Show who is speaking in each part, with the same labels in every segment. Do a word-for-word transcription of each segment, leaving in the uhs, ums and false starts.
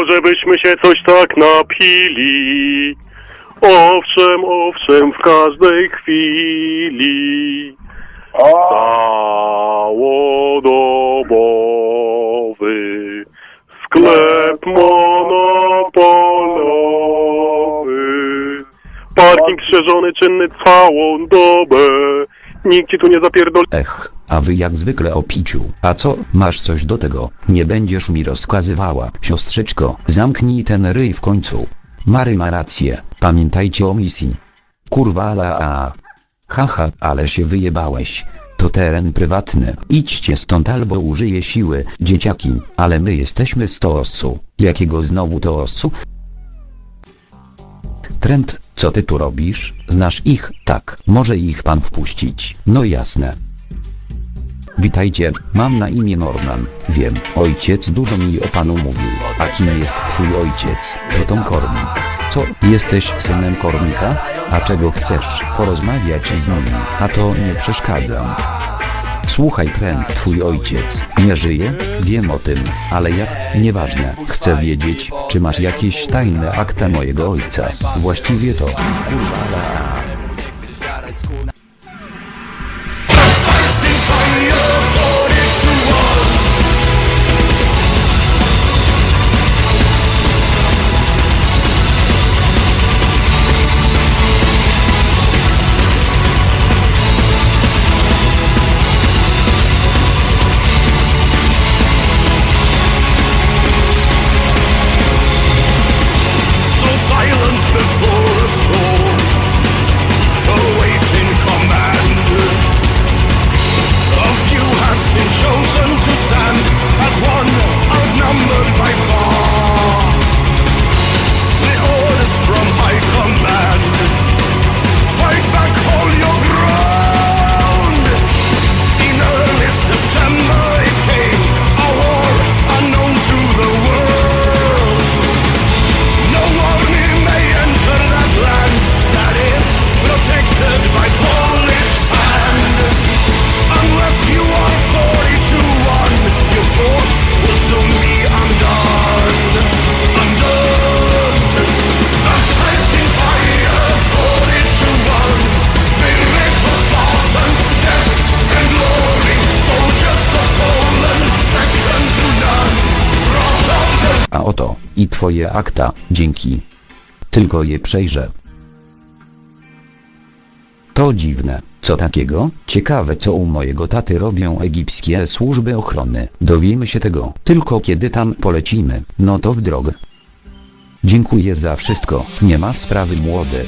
Speaker 1: może byśmy się coś tak napili. Owszem, owszem, w każdej chwili. Całodobowy sklep monopolowy. Parking strzeżony, czynny całą dobę. Nikt ci tu nie zapierdol...
Speaker 2: Ech, a wy jak zwykle o piciu. A co, masz coś do tego? Nie będziesz mi rozkazywała, siostrzyczko. Zamknij ten ryj w końcu. Mary ma rację, pamiętajcie o misji. Kurwa ala a. Haha, ale się wyjebałeś. To teren prywatny. Idźcie stąd albo użyję siły, dzieciaki, ale my jesteśmy z Toosu. Jakiego znowu Toosu? Trent, co ty tu robisz? Znasz ich? Tak, może ich pan wpuścić. No jasne. Witajcie, mam na imię Norman. Wiem, ojciec dużo mi o panu mówił. A kim jest twój ojciec? To Tom Kornik. Co, jesteś synem Kornika? A czego chcesz? Porozmawiać z nim, a to nie przeszkadzam. Słuchaj Trent, twój ojciec nie żyje? Wiem o tym, ale jak? Nieważne. Chcę wiedzieć, czy masz jakieś tajne akta mojego ojca. Właściwie to... Kurwa. A oto, i twoje akta, dzięki. Tylko je przejrzę. To dziwne, co takiego? Ciekawe co u mojego taty robią egipskie służby ochrony. Dowiemy się tego, tylko kiedy tam polecimy, no to w drogę. Dziękuję za wszystko, nie ma sprawy młody.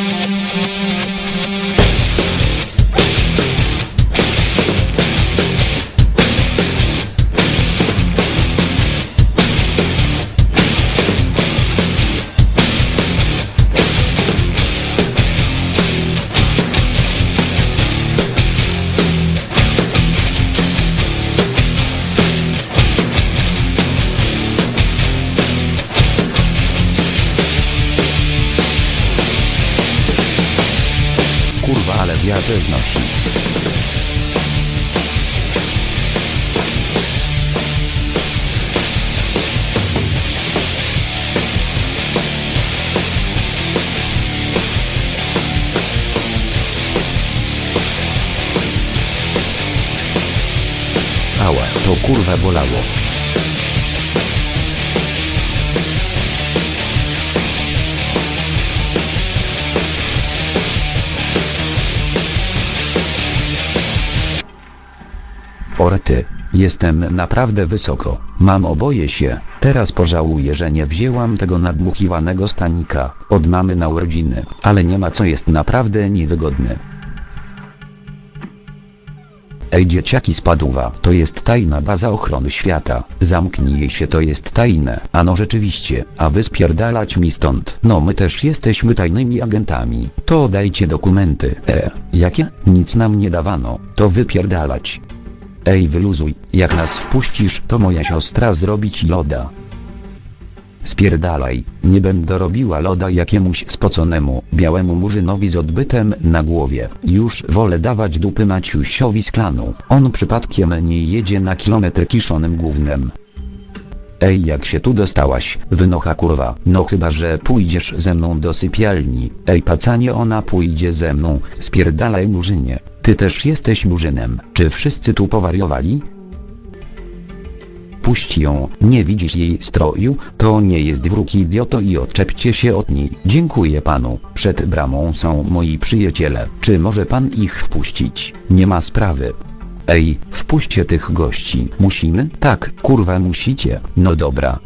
Speaker 2: Kurwa, ale wiatr znosi. Ała, to kurwa bolało. Orety, jestem naprawdę wysoko, mam oboje się, teraz pożałuję, że nie wzięłam tego nadmuchiwanego stanika od mamy na urodziny, ale nie ma co, jest naprawdę niewygodny. Ej dzieciaki, spadła, to jest tajna baza ochrony świata, zamknij jej się, to jest tajne. Ano rzeczywiście, a wy spierdalać mi stąd. No my też jesteśmy tajnymi agentami, to dajcie dokumenty. E, jakie? Nic nam nie dawano, to wypierdalać. Ej wyluzuj, jak nas wpuścisz, to moja siostra zrobi ci loda. Spierdalaj, nie będę robiła loda jakiemuś spoconemu, białemu murzynowi z odbytem na głowie. Już wolę dawać dupy Maciusiowi z klanu. On przypadkiem nie jedzie na kilometr kiszonym gównem. Ej, jak się tu dostałaś, wynocha kurwa. No chyba, że pójdziesz ze mną do sypialni. Ej pacanie, ona pójdzie ze mną. Spierdalaj murzynie. Ty też jesteś murzynem. Czy wszyscy tu powariowali? Puść ją, nie widzisz jej stroju? To nie jest wróg, idioto, i odczepcie się od niej. Dziękuję panu. Przed bramą są moi przyjaciele. Czy może pan ich wpuścić? Nie ma sprawy. Ej, wpuśćcie tych gości. Musimy? Tak, kurwa musicie. No dobra.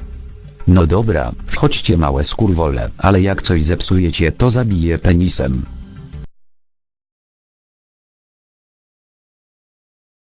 Speaker 2: No dobra, wchodźcie małe skurwole, ale jak coś zepsujecie, to zabiję penisem.